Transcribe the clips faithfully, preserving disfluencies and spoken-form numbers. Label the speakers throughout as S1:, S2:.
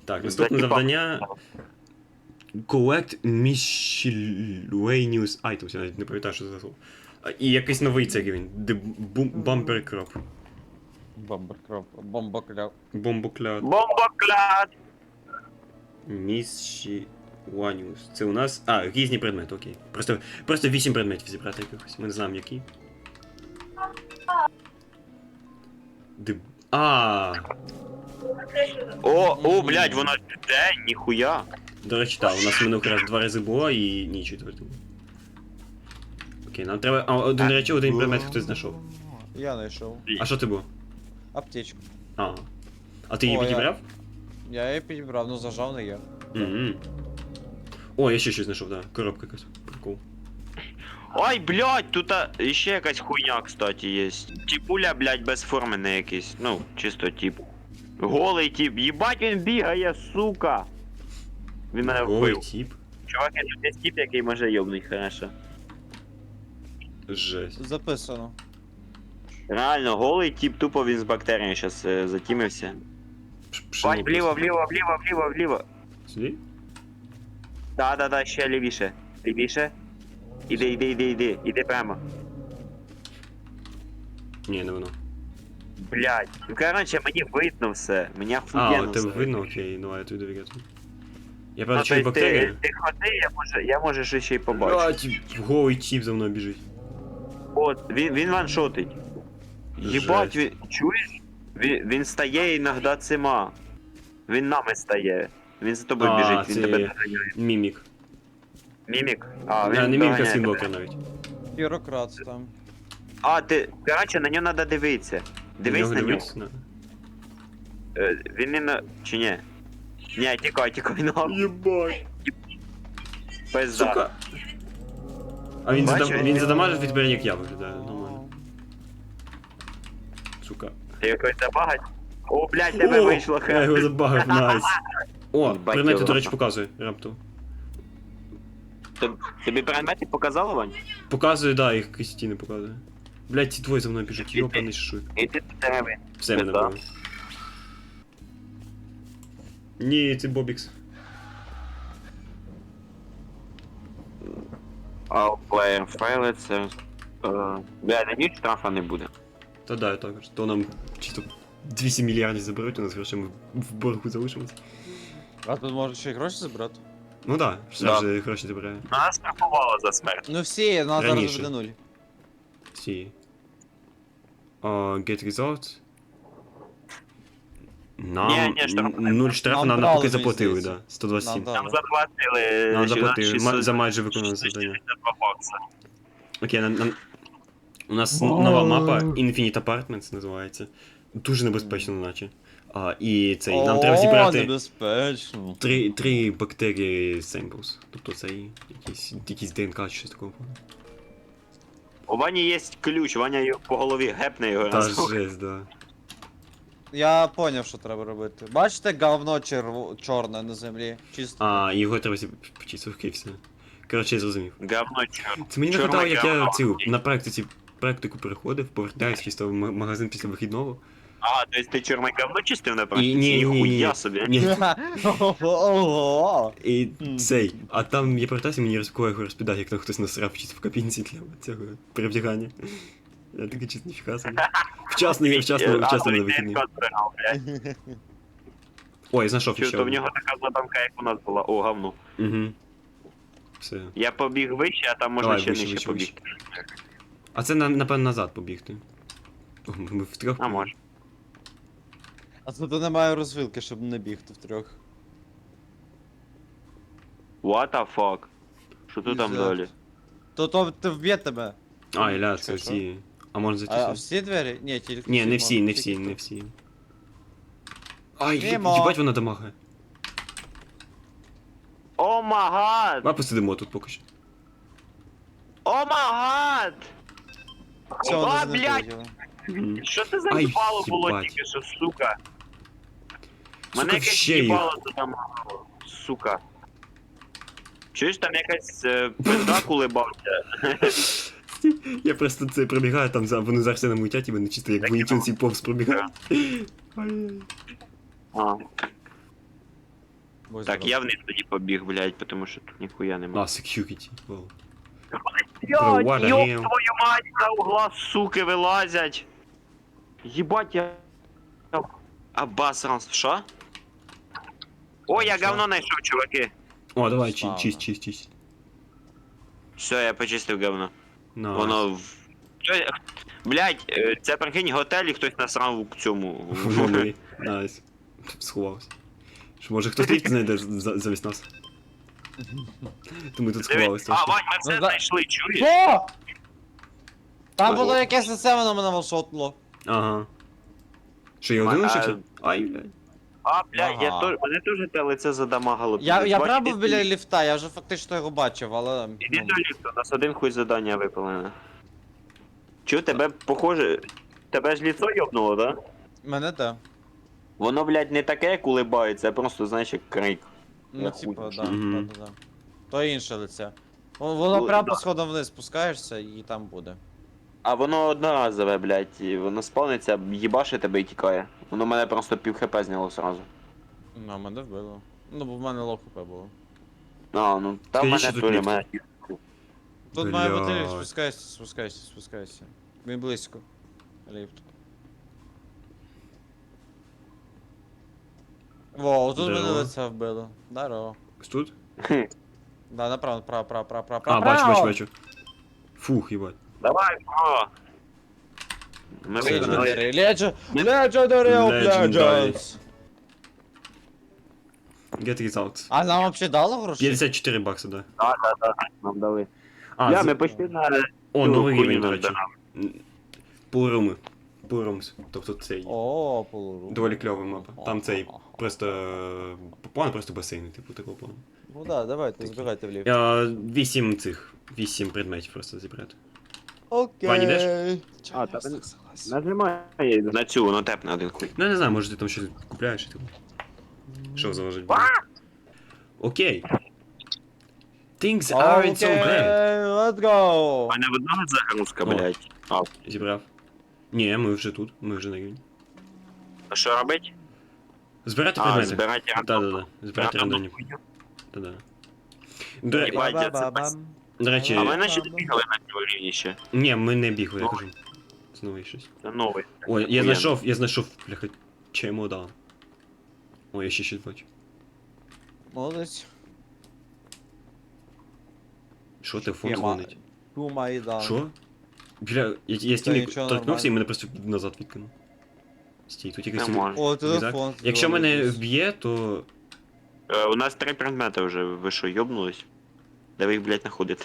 S1: Так, наступне завдання. Collect miscellaneous items, я навіть не пам'ятаю, що це за слово. А, І якийсь новий цей рівень. The bu- Bumper Crop.
S2: Бомбокроп, бомбокляп.
S1: Бомбокляд.
S3: Бомбокляд!
S1: Miscellaneous. Це у нас. А, різні предмети, окей. Просто, просто вісім предметів зібрати якихось. Ми не знаємо які. The... А,
S3: О, о, блядь, воно де? Ніхуя.
S1: до речі, так, у нас минулий раз два рази було і ні, четвертого. Окей, нам треба. А, один, до речі, один предмет хтось знайшов.
S2: Я знайшов.
S1: А що ти було?
S2: Аптечку.
S1: А. А ти її
S2: О, я-
S1: підібрав?
S2: Я її підібрав, ну зажав не я.
S1: Мгм. О, я ще щось знайшов, так. Да. Коробка якась. Прикол.
S3: Ой, блядь, тут а, ще якась хуйня, кстати, є. Тіпуля, блядь, безформений якийсь. Ну, чисто тип. Голий тип. Єбать він бігає, сука. Він мене
S1: Голий
S3: вбив.
S1: тип.
S3: Чувак, це десь тип, який може йобнуть, хорошо.
S1: Жесть.
S2: Записано.
S3: Реально, голий тип, тупо він з бактеріями щас е, затімився.
S1: Ш- пшено
S3: Бать, вліво,
S1: просто.
S3: вліво, вліво, вліво, вліво.
S1: Сюди?
S3: Да, да, да, ще лівіше. Лівіше. Іди, іди, іди, іди, іди прямо.
S1: Ні, не воно.
S3: Блядь. Ну, короче, мені видно все. Мені
S1: А,
S3: охуєнно
S1: от тебе
S3: все.
S1: видно, окей, давай я тобі довіряю. Я
S3: Ну,
S1: правда
S3: то
S1: чую
S3: есть
S1: бактерії.
S3: ти, ти ходи, я може, я може ще ще й побачу.
S1: Блядь, голий тип за мною біжить.
S3: От, він, він ваншотить. Єбать,
S1: Жесть.
S3: він, чуєш? Він, він стає іноді цима. Він нами стає. Він за тобою
S1: А,
S3: біжить, він
S1: це
S3: тебе доганяє.
S1: Мімік.
S3: Мімік? А,
S1: А,
S3: він
S1: не мімік, а
S3: доганяє
S1: скінблокер
S3: тебе.
S1: навіть.
S2: Бюрократ там.
S3: А, ти, короче, на нього треба дивитися. Дивись
S1: нього
S3: на нього.
S1: дивись? На.
S3: Е, Він не на... чи ні? Ні, тікай, тікай, нахуй.
S1: Єбать.
S3: Пизда.
S1: Сука. А він,
S3: Бачиш?
S1: задам... він задамажив від тебе, як я виглядаю, нормально. Сука.
S3: Ти якось забагать? О, блядь, тебе
S1: О,
S3: вийшло,
S1: я його
S3: хе.
S1: забагав, найс. О,
S3: Їбать
S1: предмети,
S3: його.
S1: до речі, показує раптом.
S3: Тоб- Тобі предмети показало, Вань?
S1: Показує, да, їх якісь стіни показує. Блять, ці двоє за мною біжать, йопаний шуй.
S3: Іди до тебе.
S1: Все мене
S3: Да.
S1: було. Ні, це Бобікс.
S3: All player файли, це... е, Бля, на ніч штрафа не буде.
S1: Та да, я також. То нам чисто двісті мільярдів заберуть, у нас грошей ми в боргу залишимося.
S2: А тут можна ще й гроші забрати?
S1: Ну да, все
S3: Да.
S1: вже гроші забирає.
S3: Нас штрафувало за смерть.
S2: Ну всі, нас зараз
S1: Раніше.
S2: буде нуль.
S1: Всі. Uh, get results. Нам
S3: Ні, ні, штраф не
S1: нуль штрафу,
S2: Нам
S1: нам
S2: брали,
S1: поки
S2: мені
S1: заплатили,
S2: здається.
S1: да. сто двадцять сім.
S2: Нам
S3: Нам
S2: дали.
S3: заплатили...
S1: Нам
S3: ще
S1: заплатили
S3: шістсот-
S1: ма- за майже виконане завдання.
S3: шістсот два бакса.
S1: Окей, нам, нам... у нас нова мапа Infinite Apartments називається. Дуже небезпечно, наче. А, і цей, нам треба
S2: О,
S1: зібрати
S2: небезпечно.
S1: три, три бактерії samples. Тобто це якісь, якісь ДНК чи щось такого.
S3: У Вані є ключ, Ваня його по голові гепне його
S1: Та
S3: раз.
S1: жесть, да.
S2: Я поняв, що треба робити. Бачите говно черв... чорне на землі? Чисто.
S1: А, його треба почистити, окей, все. Коротше, я зрозумів.
S3: Говно чорт.
S1: Це мені
S3: Чорне
S1: нагадало, як я
S3: говно.
S1: цю на практиці практику переходив, повертаюсь чисто в ма- магазин після вихідного.
S3: А, то есть ти чорне говно чистив на
S1: І
S3: практиці?
S1: ні, ні, ні,
S3: Ніхуя
S1: ні.
S3: собі.
S1: Ні.
S2: Ого.
S1: І
S2: Мгм.
S1: цей. А там я повертаюся, мені розкоє розповідає, як там хтось насрав чисто в кабінці для цього перевдягання. Я такий чисто ніфіга собі. Вчасно, я вчасно,
S3: А,
S1: вчасно на
S3: той
S1: вихідні.
S3: ДНК збирав, блядь.
S1: Ой, знайшов
S3: Чого,
S1: ще.
S3: то в нього така заданка, як у нас була. О, говно.
S1: Угу. Все.
S3: Я побіг вище, а там можна
S1: Давай,
S3: ще
S1: вище,
S3: нижче
S1: вище,
S3: побігти.
S1: А це на- напевно назад побігти. О, ми втрьох.
S3: А може.
S2: А тут немає розвилки, щоб не бігти втрьох.
S3: What the fuck? Що тут там
S2: Пиздец.
S3: далі?
S2: То то ти вб'є тебе.
S1: А, Іля, це
S2: Чекай, що?
S1: всі. А можна зайти
S2: А
S1: сюди?
S2: всі двері? Ні, тільки
S1: Ні, не всі,
S2: можна,
S1: не
S2: тільки
S1: всі,
S2: тут.
S1: не всі. Ай, є-
S2: Мімо.
S1: їбать вона дамагає.
S3: О магад!
S1: Давай посидимо тут поки що.
S3: О магад!
S2: Все,
S3: О,
S2: вони
S3: блядь!
S2: знайдуть.
S1: Мгм.
S3: Що це за
S1: Ай,
S3: їбало було
S1: їбать.
S3: тільки що, сука? Мене
S1: Сука,
S3: якесь
S1: ще їх.
S3: їбало туди мало, сука. Чуєш, там якась е, пизда кулебався.
S1: Я просто це пробігаю там за вони зараз на мутять і вони чисто як
S3: Так,
S1: воїтівці повз пробігають. Ай.
S3: А.
S2: Будь
S3: Так,
S2: здоров.
S3: я вниз тоді побіг, блядь, тому що тут ніхуя
S1: А,
S3: нема.
S1: security. Вау.
S3: Блядь,
S1: what the
S3: ёб
S1: hell?
S3: твою мать, за угла, суки, вилазять. Єбать, я... Обосранство, що? О, я
S2: Що?
S3: говно знайшов, чуваки.
S1: О, давай, чи-
S2: Славно.
S1: чисть, чисть, чисть.
S3: Все, я почистив говно.
S1: Найс.
S3: Воно в... Що- Блядь, е, це прикинь готель і хтось насрав у цьому.
S1: В номері. Найс. Сховався. Що, може хтось ліфт знайде за- замість нас? То ми тут сховалися.
S3: А,
S1: трошки.
S3: Вань, ми все
S2: Ну, да.
S3: знайшли, чуєш?
S2: Що? Там
S3: Ого.
S2: було якесь лице, воно мене волшотнуло.
S1: Ага. Що, я один
S3: А,
S1: лишився? Ай, блядь.
S3: А, блядь, я
S2: Ага.
S3: то... мене теж те лице задамагало.
S2: Я, я
S3: Бачиш,
S2: прям був
S3: ти-
S2: біля ліфта, я вже фактично його бачив, але.
S3: Іди
S2: ну,
S3: до ліфту, у нас один хуй задання випалене. Чу, тебе похоже... Тебе ж ліцо йобнуло, да?
S2: Мене те.
S3: Воно, блядь, не таке, як улибається, а просто, знаєш, як крик.
S2: Ну,
S3: Я
S2: типа,
S3: хуй.
S2: да,
S1: Мгм.
S2: да, да, да. То інше лице. Во- Воно
S3: Ну,
S2: прямо
S3: да.
S2: по сходам вниз спускаєшся і там буде.
S3: А воно одноразове, блядь, і воно спавниться, їбаше тебе і тікає. Воно мене просто пів хп зняло сразу.
S2: Ну, мене вбило. Ну, бо в мене лох хп було.
S3: А, ну, там
S1: Скажи,
S3: мене
S1: що тут
S3: теж
S1: ліфт?
S3: мене...
S2: Тут має бути ліфт,
S1: Блядь.
S2: спускайся, спускайся, спускайся. Він близько. Ліфт. Во, тут мене
S1: Здорово.
S2: лице вбило. Здорово.
S1: Ось тут?
S2: Да, направо, направо, право, право, право,
S1: А,
S2: право.
S1: бачу, бачу, бачу. Фух, їбать.
S3: Давай, бро! Ми
S1: Це
S3: вигнали.
S2: Legendary, Legend, Legendary of
S1: Legendary.
S2: Legends.
S1: Get results.
S2: А нам вообще дало гроші?
S1: п'ятдесят чотири бакси, да.
S3: Так, так, так, нам дали.
S1: А,
S3: Я,
S1: з-
S3: ми почти на...
S1: О,
S3: цю
S1: новий
S3: хуйню
S1: рівень, до речі.
S3: назбирали.
S1: Пуруми. Пурумс. Тобто цей.
S2: О, полуру.
S1: Доволі кльова мапа. Там цей просто. е, План просто басейни, типу такого плану.
S2: Ну да, давайте, збирайте в ліфт.
S1: Я вісім цих. Вісім предметів просто зібрати.
S2: Окей.
S1: Ваня, йдеш?
S3: А, та він- Нажимай на цю, воно тепне один хуй.
S1: Ну я не знаю, може ти там щось купляєш, типу. Що заложить? Окей. Things aren't so bad.
S2: Окей, let's go.
S3: У мене в одного загрузка,
S1: О.
S3: блядь. А,
S1: Зібрав. Ні, ми вже тут, ми вже на рівні.
S3: а що робить?
S1: Збирати
S3: А,
S1: предмети.
S3: збирати
S1: Да-да-да. Збирати
S3: рандомну
S1: рандомні.
S3: хуйню.
S1: Да-да. До, ре-
S3: Єбать, я це
S2: Ба-ба-ба-бам.
S1: до речі,
S3: А ми наче не бігали на цьому рівні ще.
S1: ні, ми не бігли, я
S3: Ну.
S1: кажу. Знову є щось.
S3: Це новий.
S1: Ой, я
S3: Охуєнно.
S1: знайшов, я знайшов, бляха, чемодан. Ой, я ще щось бачу.
S2: Молодець.
S1: Що, телефон
S2: Єма.
S1: дзвонить?
S2: Кума і да.
S1: Що? Бля, я, я стіни
S2: нічого,
S1: торкнувся і
S2: нормально.
S1: мене просто назад відкинув. Стій, тут якийсь...
S3: Не може.
S2: О,
S1: рюкзак.
S2: телефон.
S1: Якщо мене
S2: дзвонить.
S1: вб'є, то...
S3: Е, У нас три предмети вже, ви що, йобнулись? Де ви їх, блядь, знаходите?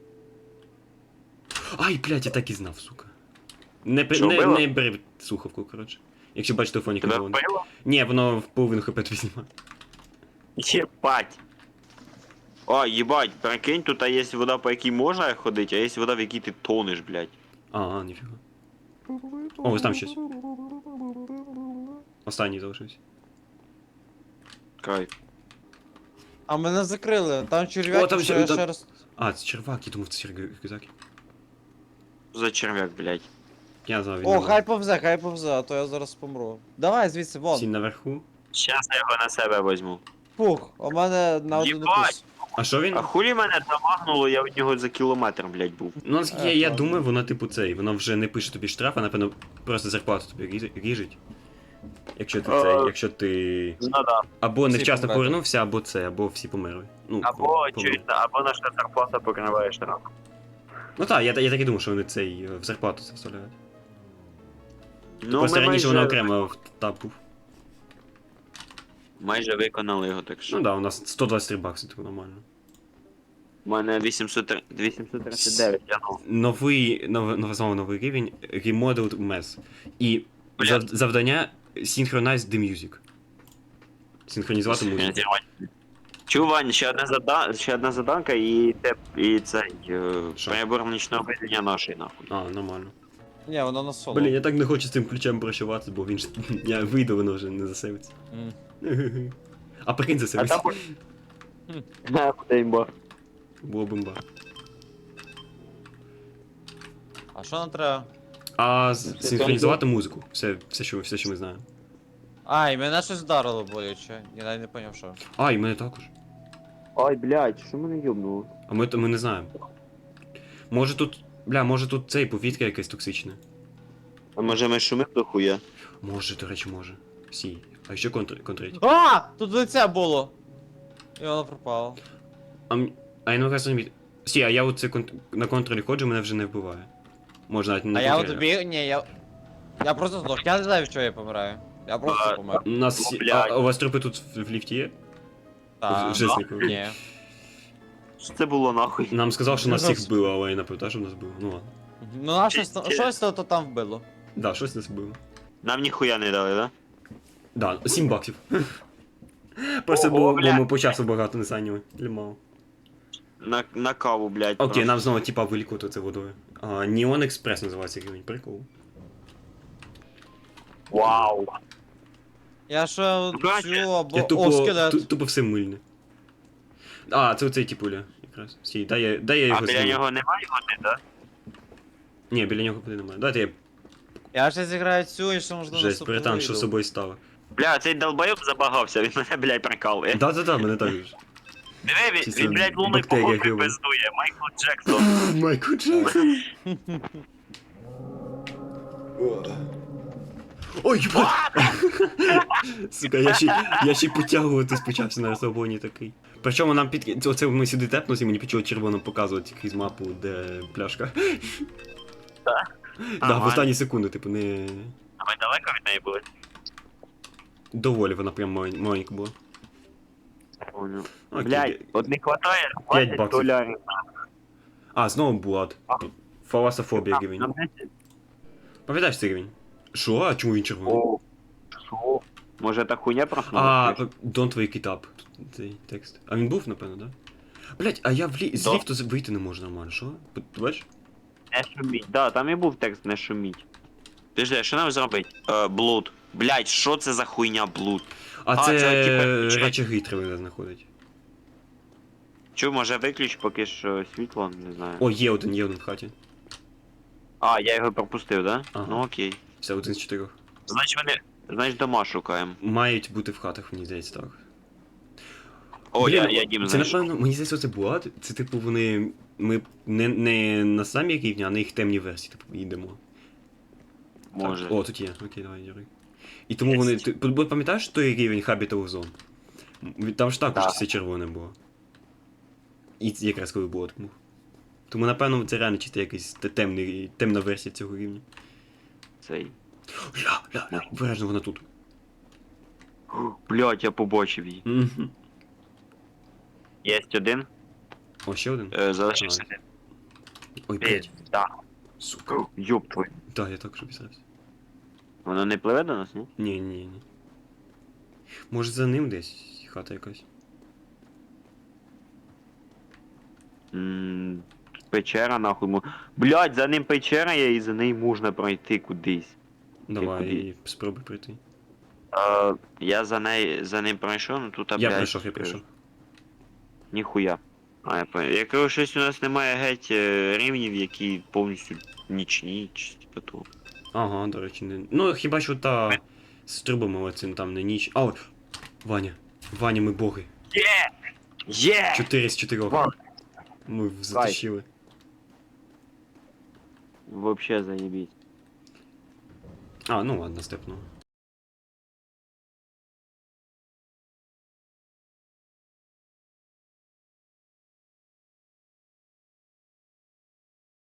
S1: Ай, блядь, я так і знав, сука. Не, при-
S3: Що,
S1: не,
S3: вбило?
S1: не бери слухавку, коротше. Якщо бачиш телефонік,
S3: Тебе
S1: то воно.
S3: вбило?
S1: Ні, воно в половину хп тобі знімає.
S3: Єбать! О, їбать, прикинь, тут є вода, по якій можна ходити, а є вода, в якій ти тонеш, блядь.
S1: А, а, ніфіга. О, ось там щось. Останній залишився.
S3: Кайф.
S2: А мене закрили, там черв'яки,
S1: О, там
S2: що
S1: ще-
S2: я
S1: там-
S2: ще раз...
S1: А, це червак, я думав, це рюкзак.
S3: За черв'як, блядь.
S1: Я знав, він
S2: О,
S1: не
S2: хай повзе, хай повзе, а то я зараз помру. Давай звідси, вон.
S1: Сінь наверху.
S3: Щас я його на себе візьму.
S2: Пух, у мене на один
S3: Єбать!
S2: укус.
S1: А що він?
S3: А хулі мене замагнуло, я від нього за кілометр, блядь, був.
S1: Ну, наскільки
S2: Е,
S1: я, я
S2: ладно.
S1: думаю, вона типу цей, вона вже не пише тобі штраф, а напевно просто зарплату тобі різ- ріжить. Якщо ти
S3: Е.
S1: цей, якщо ти.
S3: Ну да.
S1: Або
S2: Всі
S1: невчасно
S2: померли.
S1: повернувся, або це, або всі померли. Ну,
S3: Або
S1: померли.
S3: чуєш, або наша зарплата покриває штраф.
S1: Ну так, я, я так і думав, що вони цей е, в зарплату це вставляють.
S3: Ну,
S1: Просто
S3: ми
S1: раніше
S3: майже,
S1: вона окремо в таб був.
S3: майже виконали його, так що.
S1: Ну так, да, у нас сто двадцять три бакси, типу нормально.
S3: У мене вісімсот тридцять дев'ять, я ну.
S1: Новий, нов, нов, знову новий рівень, Remodeled Mess. І
S3: Бля.
S1: зав, завдання Synchronize the Music. Синхронізувати музику.
S3: Чув, Вань, ще одна зада... ще одна заданка і те і цей е,
S1: Що?
S3: прибор нічного видення нашої нахуй.
S1: А, нормально.
S2: Ні, воно на соло.
S1: Блін, я так не хочу з цим ключем прощаватися, бо він ж. Я вийду, воно вже не засейвиться.
S2: М.
S1: А прикинь
S3: А
S1: засейвиться.
S3: там на імба.
S1: Було бомба.
S2: А що нам треба?
S1: А з- синхронізувати музику. Все, все, що, все, що ми знаємо.
S2: Ай, мене щось вдарило боляче. Я навіть не поняв, що.
S1: А, і мене також.
S3: Ой, блядь, що мене йобнуло?
S1: А ми, ми не знаємо. Може тут. Бля, може тут цей повітря якесь токсичне.
S3: А може ми шумим до хуя?
S1: Може, до речі, може. Сі. А ще контр, контрить.
S2: А! Тут лице було! І воно пропало.
S1: А, м- а я не кажу, не Сі, а я оце кон... на контролі ходжу, мене вже не вбиває. Може навіть не
S2: А я от
S1: контролі.
S2: тобі. Ні, я. Я просто здох. Я не знаю, що я помираю. Я просто
S3: А,
S2: помер.
S1: У нас всі...
S3: Ну, блядь.
S1: а, а у вас трупи тут в, в ліфті є?
S2: Та,
S1: в Жеснику.
S2: Ні.
S3: Що це було нахуй?
S1: Нам сказав, що нас
S2: Ну,
S1: всіх вбило, але я не пам'ятаю, що нас вбило. Ну ладно.
S2: Ну на щось, щось то то там вбило.
S1: Да, щось нас вбило.
S3: Нам ніхуя не дали, да?
S1: Да, сім баксів. Просто
S3: Ого,
S1: бо, бо
S3: бля.
S1: ми по часу багато не зайняли. Для мало.
S3: На, на каву, блядь.
S1: Окей,
S3: просто.
S1: нам знову типа вилікувати це водою. А, Неон Експрес називається рівень, прикол.
S3: Вау.
S2: Я ще
S3: Бачиш?
S2: цю або.
S1: Я
S2: О,
S1: тупо,
S2: скелет.
S1: ту- тупо все мильне. А, це оцей типуля, якраз. Стій, дай я, дай я
S3: А
S1: його
S3: біля
S1: зніму.
S3: нього немає води, да?
S1: Ні, біля нього води немає. Дайте я
S2: Я ще зіграю цю і ще можливо
S1: жесть,
S2: наступну
S1: перетан, що з
S2: вийду.
S1: собою стало.
S3: Бля, цей долбойоб забагався, він мене, блядь, прикалує.
S1: Да-да-да, мене так же.
S3: Диви, він,
S1: Чисто
S3: він, блядь, лунний
S1: бактерія
S3: походи
S1: грибом.
S3: пиздує. Майкл Джексон.
S1: Майкл Джексон. Ой, ебать! Сука, я ще, я ще й потягуватись почався на розслабоні такий. Причому нам під... Оце ми сюди тепнулися, і мені почало червоно показувати крізь мапу, де пляшка.
S3: Так?
S1: Да, в
S3: Нормально.
S1: останні секунди, типу, не...
S3: А ми далеко від неї були?
S1: Доволі вона прям малень- маленька була.
S3: Понял.
S1: Окей.
S3: Блядь, от не хватає
S1: П'ять
S3: двадцять
S1: баксів.
S3: долярів.
S1: А, знову Булат.
S3: А.
S1: Фаласофобія
S3: Нам-
S1: рівень.
S3: нам десять?
S1: Пам'ятаєш цей рівень? Що? А чому він червоний?
S3: О, що? Може та хуйня
S1: А,
S3: проснулася?
S1: don't wake it up. Тут цей текст. А він був, напевно, да? Блять, а я в лі... з
S3: Да.
S1: ліфту з- вийти не можу нормально, що? Ти бачиш?
S3: Не шуміть. Да, там і був текст не шуміть. Підожди, що нам зробити? Е, блуд. Блять, що це за хуйня блуд?
S1: А,
S3: А,
S1: це,
S3: це, типа, чекай.
S1: речаги треба знаходить.
S3: Чу, може виключ поки що світло, не знаю.
S1: О, є один, є один в хаті.
S3: А, я його пропустив, да?
S1: Ага.
S3: Ну окей.
S1: Все, один з чотирьох.
S3: Значить вони. Значить дома шукаємо.
S1: Мають бути в хатах, мені здається, так.
S3: О,
S1: Блін,
S3: я, я дім
S1: Це,
S3: знайшов.
S1: напевно, мені здається, це Булат. Це, типу, вони... Ми не, не на самі рівні, а на їх темні версії, типу, їдемо.
S3: Може.
S1: Так. О, тут є. Окей, давай, дякую. І тому
S3: Є.
S1: вони. Ти бо пам'ятаєш той рівень Habitable Zone? М, Там ж також
S3: Так.
S1: все червоне було. І це якраз коли було тому. Тому, напевно, це реально чисто якийсь те- темний, темна версія цього рівня.
S3: Цей.
S1: Ля, ля, ля, обережно вона тут.
S3: Блять, я побачив її.
S1: Мгм.
S3: Єсть один.
S1: О, ще один?
S3: Е, залишився один.
S1: Ой, блядь.
S3: Да.
S1: Сука.
S3: Ёб твой.
S1: Так, я також обісрався.
S3: Воно не пливе до нас, ні?
S1: Ні, ні, ні. Може за ним десь хата якась.
S3: Ммм. Печера нахуй. мо- Блять, за ним печера є і за нею можна пройти кудись.
S1: Давай,
S3: куди?
S1: спробуй прийти.
S3: Е, я за неї за ним пройшов, ну тут, а,
S1: Я
S3: блядь,
S1: прийшов, я прийшов.
S3: Ніхуя. А, я понял. Якщо щось у нас немає геть е, рівнів, які повністю нічні, чи типу того.
S1: Ага, до речі, не. Ну, хіба що та з трубами, але це там не ніч. А, от, Ваня. Ваня, ми боги.
S3: Є! Є!
S1: Чотири з чотирьох.
S3: Вау.
S1: Ми затащили.
S3: Вообще заебись.
S1: А, ну ладно, степно.